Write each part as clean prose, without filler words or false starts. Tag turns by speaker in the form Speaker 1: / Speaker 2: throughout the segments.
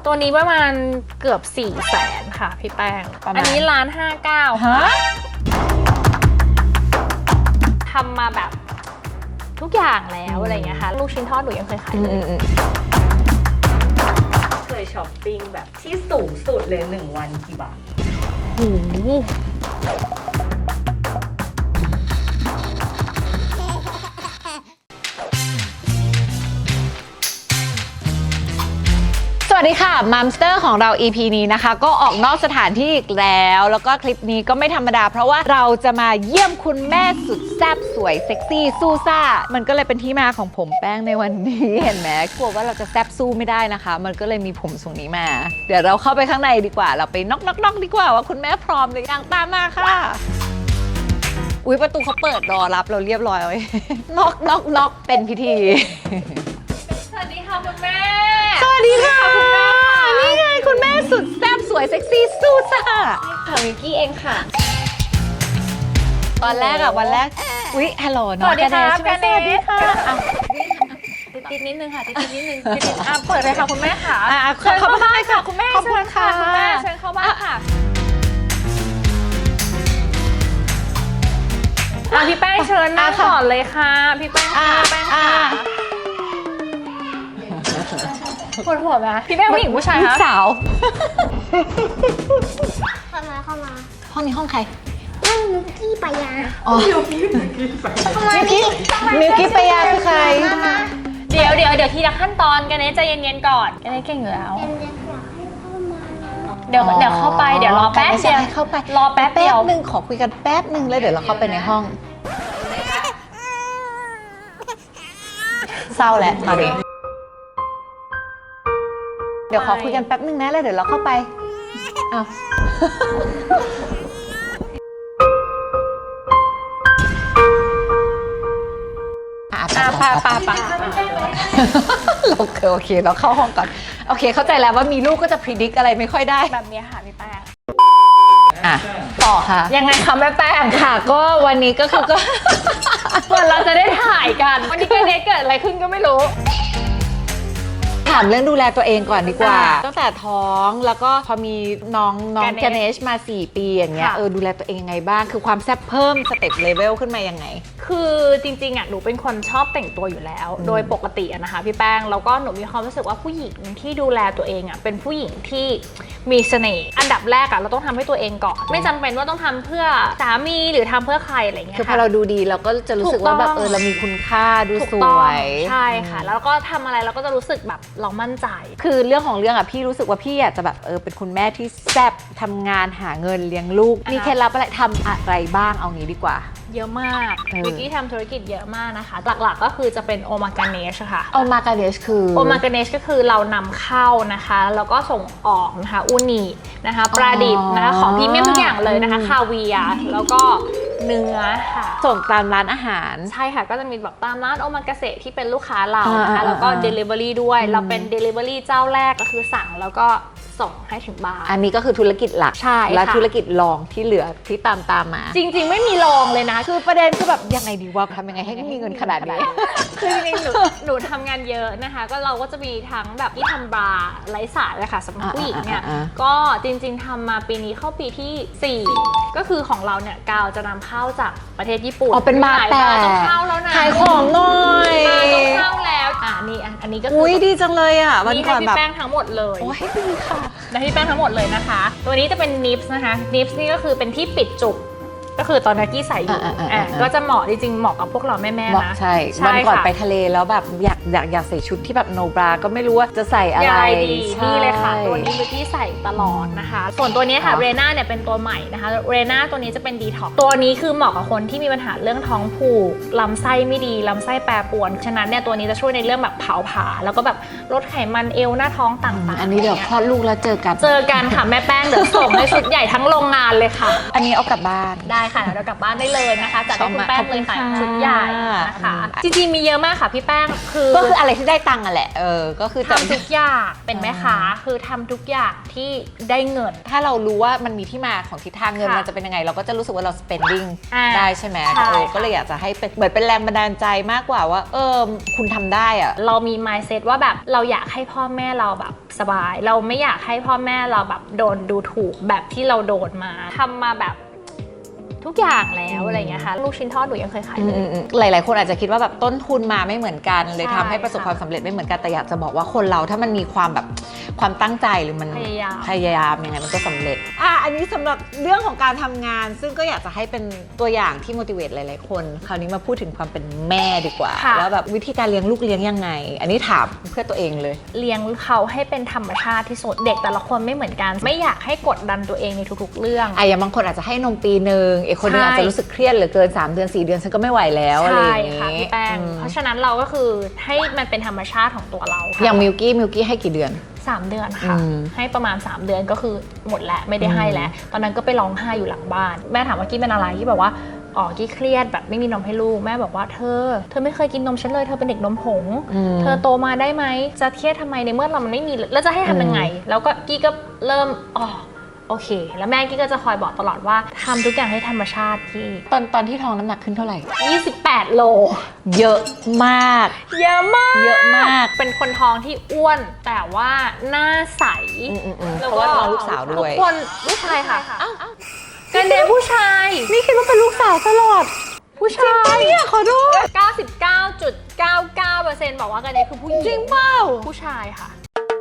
Speaker 1: ตัวนี้ประมาณเกือบ400,000ค่ะพี่แป้งอันนี้1,59,000ค่ะทำมาแบบทุกอย่างแล้วอะไรเงี้ยค่ะลูกชิ้นทอดหนูยังเคยขายเลย
Speaker 2: เคยช้อปปิ้งแบบที่สูงสุดเลย1 วันกี่บาท
Speaker 1: โอ้โห
Speaker 3: สวัสดีค่ะมัมสเตอร์ของเรา EP นี้นะคะก็ออกนอกสถานที่อีกแล้วก็คลิปนี้ก็ไม่ธรรมดาเพราะว่าเราจะมาเยี่ยมคุณแม่สุดแซ่บสวยเซ็กซี่สู้ซ่ามันก็เลยเป็นที่มาของผมแป้งในวันนี้เห็นไหมกลัวว่าเราจะแซ่บสู้ไม่ได้นะคะมันก็เลยมีผมทรงนี้มาเดี๋ยวเราเข้าไปข้างในดีกว่าเราไปน็อกดีกว่าว่าคุณแม่พร้อมหรือยังตามมาค่ะอุ๊ยประตูเขาเปิดรอรับเราเรียบร้อยไว้น็อกเป็นพิธี
Speaker 1: สวัสดีค่ะคุณแม่
Speaker 3: สวัสดีค่ะคุณแม่นี่ไงคุณแม่สุดแซ่บสวยเซ็กซี่สู้ซ่า
Speaker 1: ค่ะมิกกี้เองค่ะ
Speaker 3: วันแรกอุ๊ยฮัลโหลน้อง
Speaker 1: สวัสดีค่ะ
Speaker 3: สวัสดีค่ะ
Speaker 1: ติดนิดนึงค่ะติดนิดนึงเปิดเลยค่ะคุณแม่ค่ะ
Speaker 3: เชิญเข้าบ้านค่ะ
Speaker 1: คุณแม่
Speaker 3: ขอบคุณค่ะ
Speaker 1: คุณแม่เชิญเข้าบ้านค่ะพี่แป้งเชิญนั่งก่อนเลยค่ะพี่แป้งค่ะปวดหัวไหมพี่แป้งผู้หญิงผู้ชายคะ
Speaker 3: สาว
Speaker 4: เข้ามา
Speaker 3: ห้องนี้ห้องใคร
Speaker 4: ห้องมิวกี้ปายา
Speaker 3: มิวกี้ปายาคือใคร
Speaker 1: เดี๋ยวทีละขั้นตอนกันนะใจเย็นๆก่อนกันนะเก่งอยู่แล้วเดี๋ยวเข้าไปเดี๋ยวรอแป๊บเดียว
Speaker 3: เข้าไป
Speaker 1: รอแป๊บ
Speaker 3: นึงขอคุยกันแป๊บนึงแล้วเดี๋ยวเราเข้าไปในห้องเศร้าแหละตอนนี้เดี๋ยวขอคุยกันแป๊บนึงนะแล้วเดี๋ยวเราเข้าไปอ้าว
Speaker 1: ป่า
Speaker 3: โอเคเราเข้าห้องก่อนโอเคเข้าใจแล้วว่ามีลูกก็จะพิจิตรอะไรไม่ค่อยได้
Speaker 1: แบบนี้ค่ะพี่แป้ง
Speaker 3: ต่อค่ะ
Speaker 1: ยังไงคะแม่แป้ง
Speaker 3: ค่ะก็วันนี้ก็คือก็
Speaker 1: วันเราจะได้ถ่ายกันวันนี้เกิดอะไรขึ้นก็ไม่รู้
Speaker 3: ถามเรื่องดูแลตัวเองก่อนดีกว่าตั้งแต่ท้องแล้วก็พอมีน้องแกเนชมา4 ปีอย่างเงี้ยดูแลตัวเองยังไงบ้างคือความแซ่บเพิ่มสเต็ปเลเวลขึ้นมายังไง
Speaker 1: คือจริงๆหนูเป็นคนชอบแต่งตัวอยู่แล้วโดยปกตินะคะพี่แป้งแล้วก็หนูมีความรู้สึกว่าผู้หญิงที่ดูแลตัวเองเป็นผู้หญิงที่มีเสน่ห์อันดับแรกเราต้องทำให้ตัวเองก่อนไม่จำเป็นว่าต้องทำเพื่อสามีหรือทำเพื่อใครอะไรเงี้ย
Speaker 3: คือพอเราดูดีเราก็จะรู้สึกว่าแบบเรามีคุณค่าดูสวย
Speaker 1: ใช่ค่ะแล้วก็ทำอะไรเราก็จะรู้สึกแบบเรามั่นใจ
Speaker 3: คือเรื่องของเรื่องพี่รู้สึกว่าพี่อยากจะแบบเป็นคุณแม่ที่แซ่บทำงานหาเงินเลี้ยงลูกมีเคล็ดลับอะไรทำอะไรบ้างเอางี้ดีกว่า
Speaker 1: เยอะมากวิกกี้ทำธุรกิจเยอะมากนะคะหลักๆก็คือจะเป็นโอมากาเนชค่ะ
Speaker 3: โอมากาเนชคือ
Speaker 1: โอมากาเนชก็คือเรานำเข้านะคะแล้วก็ส่งออกนะคะอูนินะคะปลาดิบนะคะของพรีเมียมทุกอย่างเลยนะคะคาเวียร์แล้วก็เนื้อค่ะ
Speaker 3: ส่งตามร้านอาหาร
Speaker 1: ใช่ค่ะก็จะมีแบบตามร้านโอมากาเสะที่เป็นลูกค้าเรานะคะแล้วก็ Delivery ด้วยเราเป็น Delivery เจ้าแรกก็คือสั่งแล้วก็ส่งให้ถึงบ้าน
Speaker 3: อันนี้ก็คือธุรกิจหลัก
Speaker 1: ใช่
Speaker 3: และธุรกิจรองที่เหลือที่ตามมา
Speaker 1: จริงๆไม่มีรองเลยนะ
Speaker 3: คือประเด็นคือแบบยังไงดีวะทำยังไงให้มีเงินขนาดนี้
Speaker 1: คือจริงๆหนูทำงานเยอะนะคะก็เราก็จะมีทั้งแบบที่ทำบราไร้สายเลยค่ะสำหรับผู้หญิงเนี่ยก็จริงๆทำมาปีนี้เข้าปีที่4ก็คือของเราเนี่ยกาวจะนำเข้าจากประเทศญี่ปุ่น
Speaker 3: เป็นมาแต่
Speaker 1: ต้องเข้าแล้วนะ
Speaker 3: ขายของหน่อย
Speaker 1: ต้องเข้าแล้วอันนี้ก็คือ
Speaker 3: ดีจังเลยวันก่อนแบบ
Speaker 1: พี่แป้งทั้งหมดเลย
Speaker 3: โอ้ยดีค่ะ
Speaker 1: และพี่แป้งทั้งหมดเลยนะคะตัวนี้จะเป็นนิฟส์นะคะนิฟส์นี่ก็คือเป็นที่ปิดจุกก็คือตอนนี้กี้ใส่อยู่ก็จะเหมาะจริงๆเหมาะกับพวกเราแม่ๆนะ
Speaker 3: ใช่วันก่อนไปทะเลแล้วแบบอยากใส่ชุดที่แบบโนบราก็ไม่รู้ว่าจะใส่อะไร
Speaker 1: นี่เลยค่ะตัวนี้บิวตี้ใส่ตลอดนะคะส่วนตัวนี้ค่ะเรน่าเนี่ยเป็นตัวใหม่นะคะเรน่าตัวนี้จะเป็นดีท็อกตัวนี้คือเหมาะกับคนที่มีปัญหาเรื่องท้องผูกลำไส้ไม่ดีลำไส้แปรปรวนฉะนั้นเนี่ยตัวนี้จะช่วยในเรื่องแบบเผาผลาญแล้วก็แบบลดไขมันเอวหน้าท้องต่างๆ
Speaker 3: อันนี้เดี๋ยวคลอดลูกแล้วเจอกัน
Speaker 1: ค่ะแม่แป้งเดี๋ยวส่งในชุดใหญ่ทั้งโรงงานเลยค่ะ
Speaker 3: อันนี้เอากลับบ้าน
Speaker 1: ได้ค่ะเรากลับบ้านได้เลยนะคะจัดให้คุณแป้งเลยค่ะชุดใหญ่นะคะจริงๆมีเยอะมากค่ะพี่แป้งก็
Speaker 3: คืออะไรที่ได้ตังค์อ่ะแหละก็คือ
Speaker 1: ทำทุกอย่างเป็นแม่ค้าคือทำทุกอย่างที่ได้เงิน
Speaker 3: ถ้าเรารู้ว่ามันมีที่มาของทิศทางเงิน
Speaker 1: ค่ะ
Speaker 3: มันจะเป็นยังไงเราก็จะรู้สึกว่าเรา spending
Speaker 1: อ่า
Speaker 3: ได้ใช่ไหม
Speaker 1: ใช่
Speaker 3: ก็เลยอยากจะให้เป็นเหมือนเป็นแรงบันดาลใจมากกว่าว่าคุณทำได้อะ
Speaker 1: เรามี mindset ว่าแบบเราอยากให้พ่อแม่เราแบบสบาย เราไม่อยากให้พ่อแม่เราแบบโดนดูถูกแบบที่เราโดนมาทำมาแบบทุกอย่างแล้วอะไรอย่างเงี้ยค่ะลูกชิ้นทอดหนูยังเคยขายเลย
Speaker 3: หลายๆคนอาจจะคิดว่าแบบต้นทุนมาไม่เหมือนกันเลย
Speaker 1: ใช่
Speaker 3: ทำให้ประสบความสำเร็จไม่เหมือนกันแต่อยากจะบอกว่าคนเราถ้ามันมีความแบบความตั้งใจหรือมัน
Speaker 1: พยายาม
Speaker 3: พยายามยังไงมันก็สำเร็จอันนี้สำหรับเรื่องของการทำงาน ซึ่งก็อยากจะให้เป็นตัวอย่างที่ motivate หลายๆคนคราวนี้มาพูดถึงความเป็นแม่ดีกว่า
Speaker 1: ค่ะ
Speaker 3: แล้วแบบวิธีการเลี้ยงลูกเลี้ยงยังไง อันนี้ถามเพื่อตัวเองเลย
Speaker 1: เลี้ยงเขาให้เป็นธรรมชาติที่สุดเด็กแต่ละคนไม่เหมือนกัน ไม่อยากให้กดดันตัวเองในทุกๆเรื่อง
Speaker 3: อย่างบางคนอาจจะให้นมปีนึงอีกคนนึง
Speaker 1: ใช่
Speaker 3: อาจจะรู้สึกเครียดเหลือเกิน3 เดือน 4 เดือนฉันก็ไม่ไหวแล้วอะไร
Speaker 1: ใช่
Speaker 3: อย่าง
Speaker 1: ค่ะ
Speaker 3: นี้
Speaker 1: พี่แป้งเพราะฉะนั้นเราก็คือให้มันเป็นธรรมชาติของตัวเราค่ะ
Speaker 3: อย่างมิลกี้ให้กี่เดือน
Speaker 1: 3 เดือนค่ะ
Speaker 3: อืม
Speaker 1: ให้ประมาณ 3 เดือนก็คือหมดแล้วไม่ได้ให้แล้ว ตอนนั้นก็ไปร้องไห้อยู่หลังบ้าน แม่ถามว่ากี้เป็นอะไรกี้บอกว่าอ๋อกี้เครียดแบบไม่มีนมให้ลูกแม่บอกว่าเธอไม่เคยกินนมฉันเลยเธอเป็นเด็กนมผง เธอโตมาได้ไหมจะเครียดทำไมในเมื่อเรามันไม่มีแล้วจะให้ทำยังไง แล้วก็กี้ก็เริ่มโอเค แล้วแม่กี้ก็จะคอยบอกตลอดว่าทำทุกอย่างให้ธรรมชาติกี้
Speaker 3: ตอนที่ท้องน้ำหนักขึ้นเท่าไหร่
Speaker 1: 28 โล
Speaker 3: เยอะมาก
Speaker 1: เยอะมาก
Speaker 3: เยอะมาก
Speaker 1: เป็นคนท้องที่อ้วนแต่ว่าหน้าใส
Speaker 3: เพราะว่าท้องลูกสาวด้วย
Speaker 1: ทุกคนลูกชายค่ะกันเดนผู้ชาย
Speaker 3: นี่คิดว่าเป็นลูกสาวตลอด
Speaker 1: ผู้ชาย
Speaker 3: เนี่ยขอโทษ
Speaker 1: 99.99% บอกว่ากันเดนคือผู้หญิง
Speaker 3: จริงเปล่า
Speaker 1: ผู้ชายค่ะ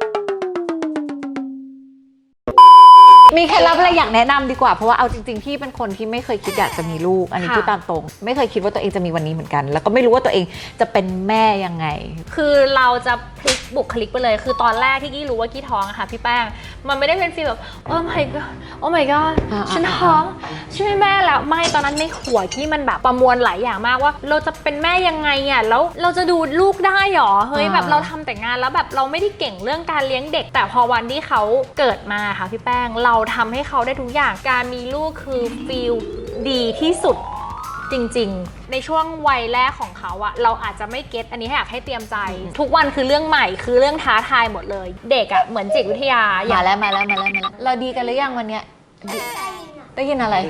Speaker 3: มีเคล็ดลับอะไรอยากแนะนำดีกว่าเพราะว่าเอาจริงๆพี่เป็นคนที่ไม่เคยคิดอยากจะมีลูกอันนี้
Speaker 1: ค่ะ
Speaker 3: พูดตามตรง ไม่เคยคิดว่าตัวเองจะมีวันนี้เหมือนกัน แล้วก็ไม่รู้ว่าตัวเองจะเป็นแม่ยังไง
Speaker 1: คือเราจะพลิกบุคลิกไปเลย คือตอนแรกที่กี้รู้ว่ากี้ท้องอะค่ะพี่แป้ง มันไม่ได้เป็นฟีลแบบโอ้ my god โอ้ my god ฉันท้องช่วยแม่แล้วไม่ตอนนั้นในหัวกี้มันแบบประมวลหลายอย่างมากว่าเราจะเป็นแม่ยังไงอะแล้วเราจะดูลูกได้หรอเฮ้ยแบบเราทำแต่งานแล้วแบบเราไม่ได้เก่งเรื่องการเลี้ยงเด็ก แต่พอวันที่เขาเกิดมาค่ะพี่แป้งเราทำให้เขาได้ทุกอย่างการมีลูกคือฟีลดีที่สุด จริงๆ ในช่วงวัยแรกของเขาอะเราอาจจะไม่เก็ตอันนี้ให้อยากให้เตรียมใจ ทุกวันคือเรื่องใหม่คือเรื่องท้าทายหมดเลย เด็กอะเหมือนจิตวิทยาอย่า
Speaker 3: มาแล้วเราดีกันหรือยังวันเนี้ยได้ยินอะไร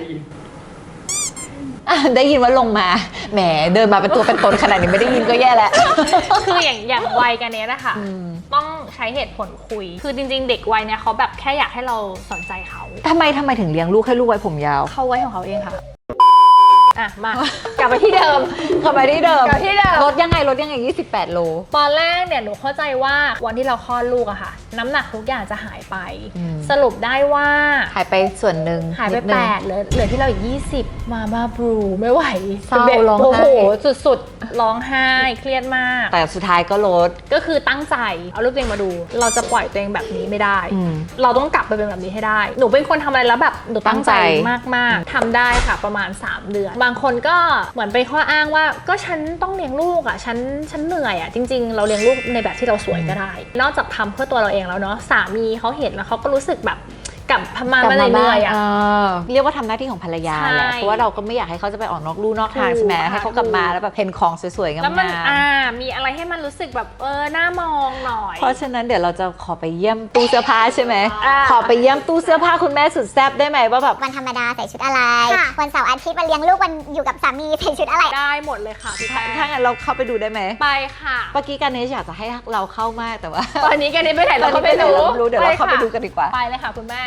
Speaker 3: ได้ยินว่าลงมาแหมเดินมาเป็นตัวเป็นตนขนาดนี้ไม่ได้ยินก็แย่แล้ว
Speaker 1: คืออย่างวัยกันเนี้ยนะคะต้องใช้เหตุผลคุย คือจริงๆ เด็กวัยเนี้ยเขาแบบแค่อยากให้เราสนใจเขา
Speaker 3: ทำไมถึงเลี้ยงลูกให้ลูกไว้ผมยาว
Speaker 1: เขาไว้ของเขาเองค่ะอ่ะมากลับไปที่เดิม
Speaker 3: กลับไปที่เดิม
Speaker 1: กลับที่เดิม
Speaker 3: ลดยังไง28 โล
Speaker 1: ตอนแรกเนี่ยหนูเข้าใจว่าวันที่เราคลอดลูกอะค่ะ น้ำหนักทุกอย่างจะหายไป
Speaker 3: อืม
Speaker 1: สรุปได้ว่า
Speaker 3: หายไปส่วนหนึ่ง
Speaker 1: หายไป
Speaker 3: นิดนึง
Speaker 1: 8เหลือที่เราอีก20มาบ้าบรูไม่ไหว
Speaker 3: เศร้า
Speaker 1: ด็ก
Speaker 3: ร้องไห้
Speaker 1: โอ้โหสุดๆร้องไห้เครียดมาก
Speaker 3: แต่สุดท้ายก็ลด
Speaker 1: ก็คือตั้งใจเอารูปตัวเองมาดู เราจะปล่อยตัวเองแบบนี้ไม่ได้ เราต้องกลับไปเป็นแบบนี้ให้ได้ หนูเป็นคนทำอะไรแล้วแบบหนูตั้งใจ
Speaker 3: ตั้งใจ
Speaker 1: มากๆทำได้ค่ะประมาณ3 เดือน บางคนก็เหมือนเป็นข้ออ้างว่าก็ฉันต้องเลี้ยงลูกอ่ะฉันเหนื่อยอ่ะจริงๆ เราเลี้ยงลูกในแบบที่เราสวยก็ได้ นอกจากทำเพื่อตัวเราเองแล้วเนาะสามีเขาเห็นแล้วเขาก็รู้สึกแบบกลับมาเหนื่อยอ่ะ
Speaker 3: เรียกว่าทำหน้าที่ของภรรยาแหละ
Speaker 1: ใช่
Speaker 3: เพราะว่าเราก็ไม่อยากให้เขาจะไปออกนอกลู่นอกทาง
Speaker 1: ถูก
Speaker 3: ใช่ไหม
Speaker 1: ค่ะ
Speaker 3: ให้เขากลับมาแล้วแบบเห็นของสวยๆงาม
Speaker 1: แล้วมัน
Speaker 3: ๆ
Speaker 1: มีอะไรให้มันรู้สึกแบบน่ามองหน่อย
Speaker 3: เพราะฉะนั้นเดี๋ยวเราจะขอไปเยี่ยมตู้เสื้อผ้าใช่ไหม
Speaker 1: อ่า
Speaker 3: ขอไปเยี่ยมตู้เสื้อผ้าคุณแม่สุดแซ่บได้ไหมว่าแบบ
Speaker 4: วันธรรมดาใส่ชุดอะไร วันเสาร์อาทิตย์วันเลี้ยงลูกวันอยู่กับสามีใส่ชุดอะไร
Speaker 1: ได้หมดเลยค่ะพี่แป้ง
Speaker 3: ถ้างั้นเราเข้าไปดูได้ไหม
Speaker 1: ไปค่ะ
Speaker 3: เมื่อกี้การเนชอยากจะให้เราเข้ามากแต่ว่า
Speaker 1: ตอนนี้แกนี่ไปไหนเราก็
Speaker 3: ตอนนี้
Speaker 1: ไม่รู้
Speaker 3: เราไม่รู้เดี๋ยวเราเข้าไปดูกันดีกว่า
Speaker 1: ไปเลยค่ะคุณแม่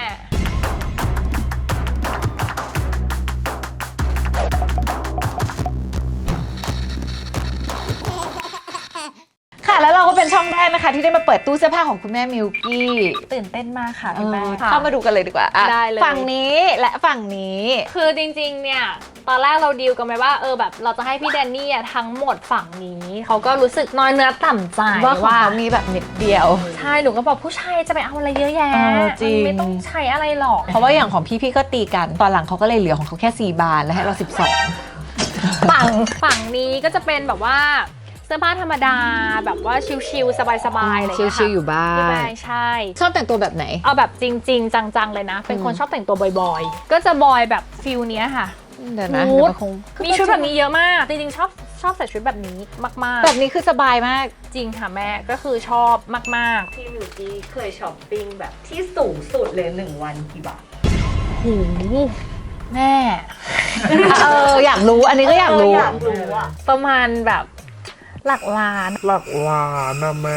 Speaker 3: ค่ะแล้วเราก็เป็นช่องแรกนะคะที่ได้มาเปิดตู้เสื้อผ้าของคุณแม่มิลกี้
Speaker 1: ตื่นเต้นมากค่ะพี่แม่
Speaker 3: เข้ามาดูกันเลยดีกว่าอ่ะ
Speaker 1: ได้เลย
Speaker 3: ฝั่งนี้และฝั่งนี้
Speaker 1: คือจริงๆเนี่ยตอนแรกเราดีลกันไปว่าแบบเราจะให้พี่แดนนี่ทั้งหมดฝั่งนี้เขาก็รู้สึกน้อยเนื้อต่ำใจ
Speaker 3: ว่าของเขามีแบบนิดเดียว
Speaker 1: ใช่หนูก็บอกผู้ชายจะไปเอาอะไรเยอะแยะ
Speaker 3: จริง
Speaker 1: มันไม่ต้องใช้อะไรหรอก
Speaker 3: เพราะว่าอย่างของพี่ก็ตีกันตอนหลังเขาก็เลยเหลือของเขาแค่4 บานแล้วให้เรา12
Speaker 1: ฝั่งนี้ก็จะเป็นแบบว่าเสื้อผ้าธรรมดาแบบว่าชิลๆสบายๆอะไรอย่างเงี้ยค่ะ
Speaker 3: ชิลๆอยู่บ้า
Speaker 1: พี่
Speaker 3: น
Speaker 1: แม่ใช่
Speaker 3: ชอบแต่งตัวแบบไหน
Speaker 1: เอาแบบจริง ๆ จังๆเลยนะ เป็นคนชอบแต่งตัวบอยๆ ก็จะบอยแบบฟิลเนี้ยค่ะ
Speaker 3: เดี๋ยวนะ
Speaker 1: นูด
Speaker 3: เดี๋ยวมันคง
Speaker 1: มีชุดแบบนี้เยอะมาก จริงๆชอบชอบใส่ชุดแบบนี้มากๆ
Speaker 3: แบบนี้คือสบายมาก
Speaker 1: จริงค่ะแม่ก็คือชอบมาก
Speaker 2: พี่มิวกี้เคยช้อปปิ้งแบบที่สูงสุดเลย1 วันกี่บาท
Speaker 1: ๆหูแม่
Speaker 3: อยากรู้อันนี้ก็อยากรู้
Speaker 2: อยากรู้อะ
Speaker 1: ประมาณแบบหลักล้าน
Speaker 5: หลักล้านนะแม่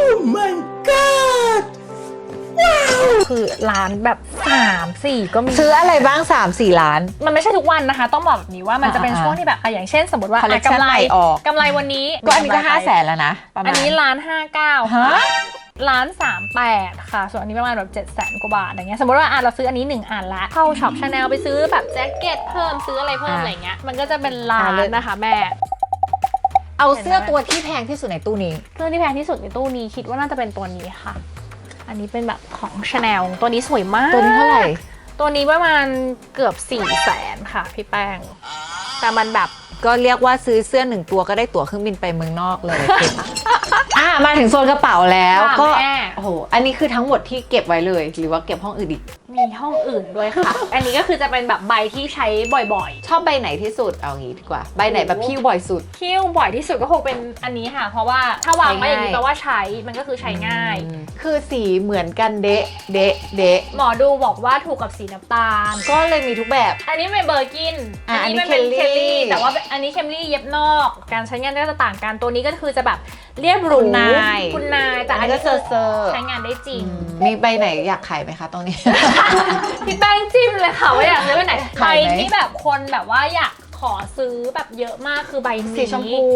Speaker 1: คือล้านแบบ3-4ก็มี
Speaker 3: ซื้ออะไรบ้าง 3-4 ล้าน
Speaker 1: มันไม่ใช่ทุกวันนะคะ ต้องบอกแบบนี้ว่ามันจะเป็นช่วงที่แบบอย่างเช่น สมมติว่า
Speaker 3: Collection
Speaker 1: กำไร
Speaker 3: ใหม่ออก
Speaker 1: กำไรวันนี้
Speaker 3: ก็อันนี้ก็500,000แล้วนะประมาณ
Speaker 1: อันนี้1,590,000
Speaker 3: ฮะ
Speaker 1: ค่ะ1,38,000ค่ะ ส่วนอันนี้ประมาณแบบ700,000 กว่าบาทอย่างเงี้ยสมมติว่าเราซื้ออันนี้1 อันละเข้าช็อปชาแนลไปซื้อแบบแจ็คเก็ตเพิ่มซื้ออะไรเพิ่มอะไรเงี้ยมันก็จะเป็นล้านนะคะแม่
Speaker 3: เอาเสื้อตัวที่แพงที่สุดในตู้นี้
Speaker 1: เครื่องที่แพงที่สุดในตู้นี้คิดว่าน่าจะเป็นตัวนี้ค่ะ อันนี้เป็นแบบของ Chanel ตัวนี้สวยมาก
Speaker 3: ตัวนี้เท่าไหร่
Speaker 1: ตัวนี้ประมาณเกือบ400,000ค่ะพี่แป้ง แต่มันแบบ
Speaker 3: ก็เรียกว่าซื้อเสื้อ1 ตัวก็ได้ตั๋วเครื่องบินไปเมืองนอกเลย มาถึงโซนกระเป๋าแล้ว
Speaker 1: ค่ะ
Speaker 3: ก็
Speaker 1: แม่
Speaker 3: โอ้โหอันนี้คือทั้งหมดที่เก็บไว้เลย หรือว่าเก็บห้องอื่นอีก
Speaker 1: มีห้องอื่นด้วยค่ะ อันนี้ก็คือจะเป็นแบบใบที่ใช้บ่อย
Speaker 3: ชอบใบไหนที่สุดเอางี้ดีกว่า ใบไหนแบบพิ้วบ่อยสุด
Speaker 1: ๆคิ้วบ่อยที่สุดก็คงเป็นอันนี้ค่ะ เพราะว่าถ้าวางไว้อย่างนี้
Speaker 3: ใช้ง่าย
Speaker 1: แปลว่าใช้มันก็คือใช้ง่าย
Speaker 3: คือสีเหมือนกันเดะเดะเดะ
Speaker 1: หมอดูบอกว่าถูกกับสีน้ำตาล
Speaker 3: ก็เลยมีทุกแบบ
Speaker 1: อันนี้เป็นเบอร์กิน
Speaker 3: อันนี้
Speaker 1: มันเป็น
Speaker 3: เค
Speaker 1: เค
Speaker 3: ล
Speaker 1: ล
Speaker 3: ลี่
Speaker 1: ลี่แต่ว่าอันนี้เคลลี่เย็บนอก การใช้งานก็จะต่างกันตัวนี้ก็คือจะแบบเรียบหรู
Speaker 3: คุณนาย
Speaker 1: คุณนายแต่อัน
Speaker 3: ก็
Speaker 1: นี้
Speaker 3: เซอร์เซอร์
Speaker 1: ใช้งานได้จริง
Speaker 3: มีใบไหนอยากขายไหมคะตรงนี้
Speaker 1: พี่แป้งจิ้มเลยค่ะว่าอยากซื้อใบไหนใบ
Speaker 3: ขายไหม
Speaker 1: ที่แบบคนแบบว่าอยากขอซื้อแบบเยอะมากคือใบนี้
Speaker 3: สีชมพู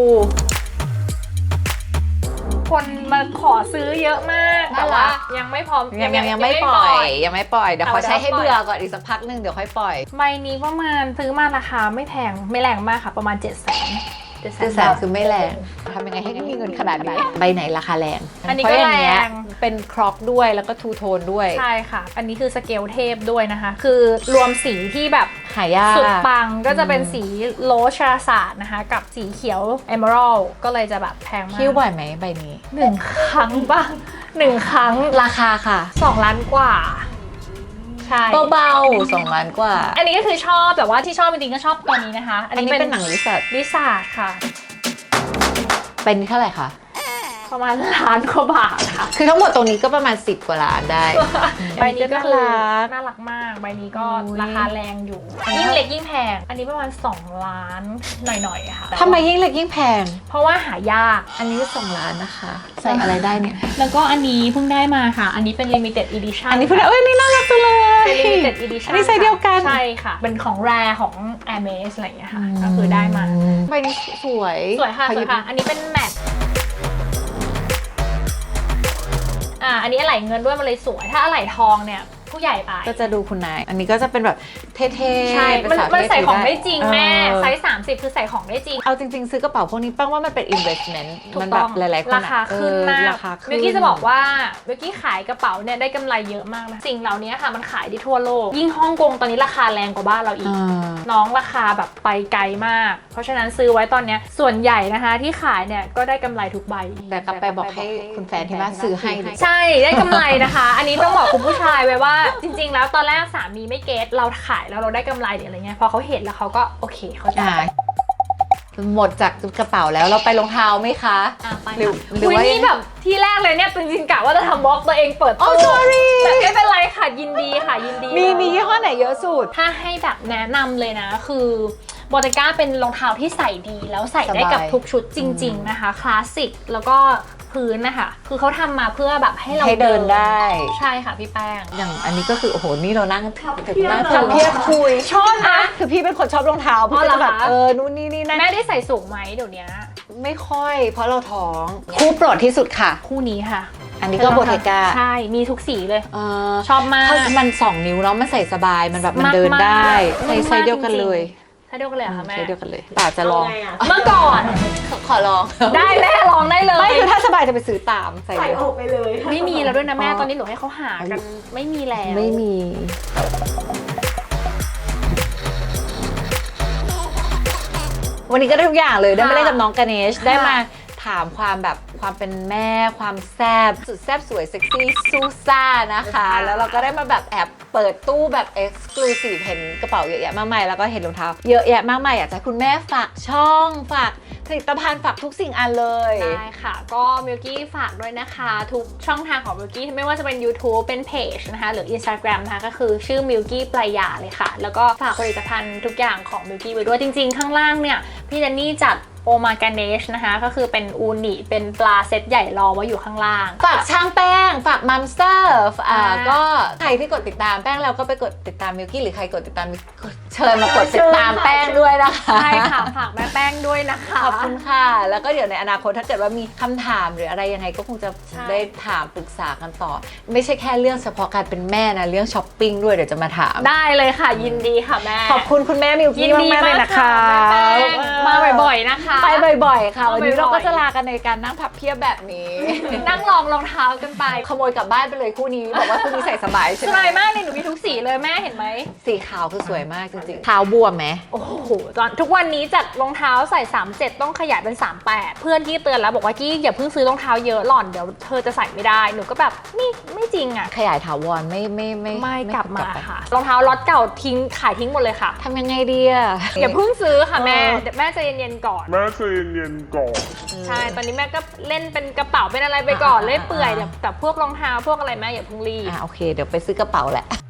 Speaker 1: คนมาขอซื้อเยอะมาก
Speaker 3: น่ารัก
Speaker 1: แต่ว่ายังไม่พร้อม
Speaker 3: ยังไม่ปล่อยยังไม่ปล่อยเดี๋ยว
Speaker 1: เอา
Speaker 3: ขอใช้ให้
Speaker 1: เดี๋ยว
Speaker 3: เบื่อก่อนอีกสักพักหนึงเดี๋ยวค่อยปล่อย
Speaker 1: ใบนี้ประมาณซื้อมาราคาไม่แพงไม่แรงมากค่ะประมาณ700,000
Speaker 3: คือแสนคือไม่แรงทำยังไงให้มีเงินขนาดนี้ใบไหนราคาแรง
Speaker 1: อันนี้
Speaker 3: เพ
Speaker 1: ก็
Speaker 3: ราะอย่างเงี้ย
Speaker 1: แรง
Speaker 3: เป็นครอกด้วยแล้วก็ทูโทนด้วย
Speaker 1: ใช่ค่ะ อันนี้คือสเกลเทพด้วยนะคะ คือรวมสีที่แบบ
Speaker 3: หายาก
Speaker 1: สุดปังก็จะเป็นสีโลชาศาสตร์นะคะ กับสีเขียวเอเมอรัลก็เลยจะแบบแพงมาก
Speaker 3: คิ้วบ่อยไหมใบนี้
Speaker 1: 1 ครั้งบ้าง1 ครั้ง
Speaker 3: ราคาค่ะ
Speaker 1: 2 ล้านกว่าใช่
Speaker 3: เบาๆ2 ล้านกว่า
Speaker 1: อันนี้ก็คือชอบแต่ว่าที่ชอบจริงๆก็ชอบตัวนี้นะคะ
Speaker 3: อันนี้เป็นหนังลิซ่า
Speaker 1: ลิซ่าค่ะ
Speaker 3: เป็นเท่าไหร่คะ
Speaker 1: ประมาณล้านกว่าบาทค่ะ
Speaker 3: คือทั้งหมดตรงนี้ก็ประมาณ10 กว่าล้านได้
Speaker 1: ใบนี้ก็คือ
Speaker 3: น่ารัก
Speaker 1: น่ารักมากใบนี้ก็
Speaker 3: อุ๊ย
Speaker 1: ราคาแรงอยู่ยิ่งเล็กยิ่งแพงอันนี้ประมาณ2 ล้านหน่อยๆค่ะ
Speaker 3: ทำไมยิ่งเล็กยิ่งแพง
Speaker 1: เพราะว่าหายาก
Speaker 3: อันนี้2 ล้านนะคะ ใส่อะไรได้เนี่ย
Speaker 1: แล้วก็อันนี้เพิ่งได้มาค่ะ อันนี้เป็น limited edition
Speaker 3: อันนี้พูดได้เอ้ยนี่น่ารักจังเลย
Speaker 1: เป็น limited edition
Speaker 3: อันนี้ไซส์เดียวกัน
Speaker 1: ใช่ค่ะ เป็นของแรของ Hermes อะไรอย่างเงี้ยค่ะ ก็คือได้มา
Speaker 3: ใบนี้สวย
Speaker 1: สวยค่ะ
Speaker 3: ขอ
Speaker 1: ส
Speaker 3: ห
Speaker 1: ว
Speaker 3: ยิ
Speaker 1: ย
Speaker 3: บ
Speaker 1: ค่ะ อันนี้เป็นแมทอันนี้อะไหล่เงินด้วยมันเลยสวย ถ้าอะไหล่ทองเนี่ยผู้ใหญ่ไป
Speaker 3: ก็จะดูคุณนาย อันนี้ก็จะเป็นแบบเท่ๆ
Speaker 1: ใช่
Speaker 3: เป็
Speaker 1: มัน
Speaker 3: สาว
Speaker 1: มัน
Speaker 3: เท่
Speaker 1: ใส่ของ
Speaker 3: ถื
Speaker 1: ได้จริงแม่
Speaker 3: เออ
Speaker 1: ไซส์30คือใส่ของได้จริง
Speaker 3: เอาจริงๆ ซื้อกระเป๋าพวกนี้แป้งว่ามันเป็น investment
Speaker 1: ถูก
Speaker 3: มัน
Speaker 1: ต้
Speaker 3: แบ
Speaker 1: อบ ง
Speaker 3: หลายๆคน
Speaker 1: ราคาขึ้นมาก
Speaker 3: ราคาขึ้น
Speaker 1: เมื่อกี้จะบอกว่าเมื่อกี้ขายกระเป๋าเนี่ยได้กำไรเยอะมากนะสิ่งเหล่านี้ค่ะมันขายได้ทั่วโลก ยิ่งฮ่องกงตอนนี้ราคาแรงกว่าบ้านเราอีก
Speaker 3: อ่า
Speaker 1: น้องราคาแบบไปไกลมาก เพราะฉะนั้นซื้อไว้ตอนเนี้ยส่วนใหญ่นะคะที่ขายเนี่ยก็ได้กำไรทุกใบ
Speaker 3: แต่กลับไปบอกให้คุณแฟนที่บ้านซื้อให้ดิ
Speaker 1: ใช่ได้กำไรนะคะ อันนี้ต้องบอกคุณผู้ชายไว้ว่า จริง ๆ แล้วตอนแรกสามีไม่เก็ตเราขายแล้วเราได้กำไรหรืออะไรเงี้ยพอเขาเห็นแล้วเขาก็โอเคเขาใจ
Speaker 3: หมดจากกระเป๋าแล้วเราไปรองเท้าไหมคะ
Speaker 1: ไป
Speaker 3: หรือ
Speaker 1: หรือ
Speaker 3: ว่า
Speaker 1: นี่แบบที่แรกเลยเนี่ยจริงๆกะว่าจะทำบล็อกตัวเองเปิด
Speaker 3: อ๋อ
Speaker 1: ตู้
Speaker 3: sorry
Speaker 1: แต่ไม่เป็นไรค่ะยินดีค่ะยินดี
Speaker 3: มียี่ห้อไหนเยอะสุด
Speaker 1: ถ้าให้แบบแนะนำเลยนะคือบอตก้าเป็นรองเท้าที่ใส่ดีแล้วใส่ได้กับ
Speaker 3: สบาย
Speaker 1: ทุกชุดจริง ๆนะคะ คลาสสิกแล้วก็พื้นนะคะคือเขาทำมาเพื่อแบบให้เรา
Speaker 3: ให้เดินได้
Speaker 1: ใช่ค่ะพี่แป้ง
Speaker 3: อย่างอันนี้ก็คือโอ้โหนี่เรานั่ง
Speaker 2: นั่ง
Speaker 3: ทำเพียบคุย
Speaker 1: ชอบนะ
Speaker 3: คือพี่เป็นคนชอบรองเท้าพี่
Speaker 1: อ๋อ
Speaker 3: ก็
Speaker 1: เหรอ
Speaker 3: จะแบบ
Speaker 1: คะ
Speaker 3: นู่นนี่นี่นั่น
Speaker 1: แม่ได้ใส่สูงไหมเดี๋ยวนี้
Speaker 3: ไม่ค่อย เพราะเราท้องคู่โปรดที่สุดค่ะ
Speaker 1: คู่นี้ค่ะ
Speaker 3: อันนี้ก็โบเทกา
Speaker 1: ใช่มีทุกสีเลย
Speaker 3: เออ
Speaker 1: ชอบมาก
Speaker 3: เพราะมัน2 นิ้วเนาะมันใส่สบายมันแบบมันเดิน
Speaker 1: มากๆ
Speaker 3: ได้
Speaker 1: มากๆ
Speaker 3: ไซส์เดียวกันเลย
Speaker 1: ใช่เดียวกันเลยเหรอค่ะแม่
Speaker 3: ไซส์เดียวกันเลยป่าจะลอง
Speaker 2: เอาไงอะ
Speaker 1: เมื่อก่อน
Speaker 3: ขอลอง
Speaker 1: ได้แม่ลองได้เลย
Speaker 3: ไม่คือถ้าสบายจะไปซื้อตามใส่
Speaker 2: ใส่
Speaker 3: เลย
Speaker 2: ออกไปเลย
Speaker 1: ไม่มีแล้วด้วยนะแม่
Speaker 3: อ๋อ
Speaker 1: ตอนนี้หนูให้เขาหากันไม่มีแล้ว
Speaker 3: ไม่มี วันนี้ก็ได้ทุกอย่างเลยได้มาเล่นกับน้องกเนชได้มาถามความแบบความเป็นแม่ความแซบสุดแซบสวยเซ็กซี่ซูซ่านะคะ แล้วเราก็ได้มาแบบแอบเปิดตู้แบบเอ็กซ์คลูซีฟเห็นกระเป๋าเยอะแยะมากมายแล้วก็เห็นรองเท้าเยอะแยะมากมายอยากจะให้คุณแม่ฝากช่องฝากผลิตภัณฑ์ฝากทุกสิ่งอันเลย
Speaker 1: ได้ค่ะ ก็มิลกี้ฝากด้วยนะคะ ทุกช่องทางของมิลกี้ไม่ว่าจะเป็น YouTube เป็นเพจนะคะหรือ Instagram นะคะก็คือชื่อมิลกี้ปลายาเลยค่ะ แล้วก็ฝากผลิตภัณฑ์ทุกอย่างของมิลกี้ไว้ด้วยจริงๆ ข้างล่างเนี่ย พี่เจนนี่จัดโอมากาเนชนะคะก็คือเป็นอูนิเป็นปลาเซตใหญ่รอไว้อยู่ข้างล่าง
Speaker 3: ฝากช่างแป้ง ฝากมัมสเตอร์ก็ใครที่กดติดตามแป้งแล้วก็ไปกดติดตามมิลกี้หรือใครกดติดตามเชิญมากดติดตามแป้งด้วยนะคะ
Speaker 1: ใช่ค่ะ ฝากแม่แป้งด้วยนะคะ
Speaker 3: ขอบคุณค่ะ แล้วก็เดี๋ยวในอนาคตถ้าเกิดว่ามีคำถามหรืออะไรยังไงก็คงจะ
Speaker 1: ใช่
Speaker 3: ได้ถามปรึกษากันต่อ ไม่ใช่แค่เรื่องเฉพาะการเป็นแม่นะเรื่องช้อปปิ้งด้วยเดี๋ยวจะมาถาม
Speaker 1: ได้เลยค่ะยินดีค่ะแม่
Speaker 3: ขอบคุณคุณแม่มิล
Speaker 1: ยิ
Speaker 3: กี้
Speaker 1: นดี
Speaker 3: มากๆเลย
Speaker 1: มาก
Speaker 3: นะคะ
Speaker 1: ค่ะแม่แป้งมาบ่อยๆนะคะ
Speaker 3: ไปบ่อยๆค่ะ
Speaker 1: มา
Speaker 3: วันนี้
Speaker 1: บ่อยๆ
Speaker 3: เราก็จะลากันในการนั่งพับเพียบแบบนี้
Speaker 1: นั่งลองรองเท้ากันไป
Speaker 3: ขโมยกลับบ้านไปเลยคู่นี้บอกว่าคู่นี้ใส่สบายใช่
Speaker 1: ส
Speaker 3: ไหม
Speaker 1: บายมากเลยหนูมีทุกสีเลยแม่เห็นไหม
Speaker 3: สีขาวคือสวยมากจริงๆเท้าบวมไหม
Speaker 1: โอ้โหตอนทุกวันนี้จากรองเท้าใส่ 37 ต้องขยายเป็น 38 เพื่อนที่เตือนแล้วบอกว่ากี้อย่าเพิ่งซื้อรองเท้าเยอะหล่อนเดี๋ยวเธอจะใส่ไม่ได้หนูก็แบบนี่ไม่จริงอ่ะ
Speaker 3: ขยายถาวรไม่
Speaker 1: กลับมา
Speaker 3: ไป
Speaker 1: ค่ะรองเท้าล็อตเก่าทิ้งขายทิ้งหมดเลยค่ะ
Speaker 3: ทำยังไงดีอะ
Speaker 1: อย่าเพิ่งซื้อค่ะแม่
Speaker 3: เออ
Speaker 1: เดี๋ยวแม่ใจเย็นๆก่อน
Speaker 5: แม่ใจเย็นๆก่อน
Speaker 1: ใช่ตอนนี้แม่ก็เล่นเป็นกระเป๋าเป็นอะไรไปก่อน
Speaker 3: อ่า
Speaker 1: เล่อยเปื่อย
Speaker 3: อ่า
Speaker 1: แต่พวกรองเท้าพวกอะไรแม่อย่าเพิ่งรีบ
Speaker 3: โอเค เดี๋ยวไปซื้อกระเป๋าแหละ